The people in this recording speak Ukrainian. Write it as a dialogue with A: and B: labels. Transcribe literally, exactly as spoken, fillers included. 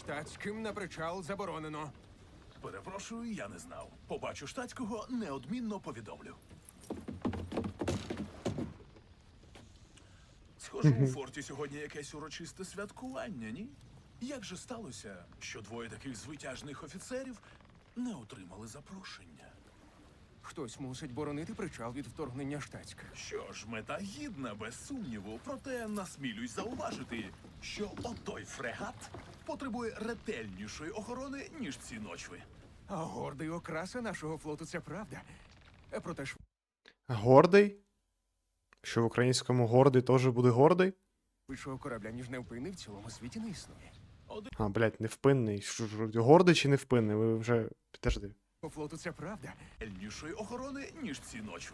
A: Штатським на причал заборонено.
B: Перепрошую, я не знав. Побачу штатського, неодмінно повідомлю. Схоже, у форті сьогодні якесь урочисте святкування, ні? Як же сталося, що двоє таких звитяжних офіцерів не отримали запрошення?
A: Хтось мусить боронити причал від вторгнення штатських.
B: Що ж, мета гідна, без сумніву, проте насмілюсь зауважити, що отой фрегат потребує ретельнішої охорони, ніж ці ночви.
A: А гордий окраса нашого флоту — це правда. Е, Проте ж
C: Гордий? Що в українському гордий теж буде гордий?
A: швидшого корабля, ніж невпинний, в цілому світі не існує.
C: А, блядь, невпинний. Що ж, гордий чи невпинний? Ви вже. Підожди.
A: По флоту — це правда.
B: Ретельнішої охорони, ніж ці ночви.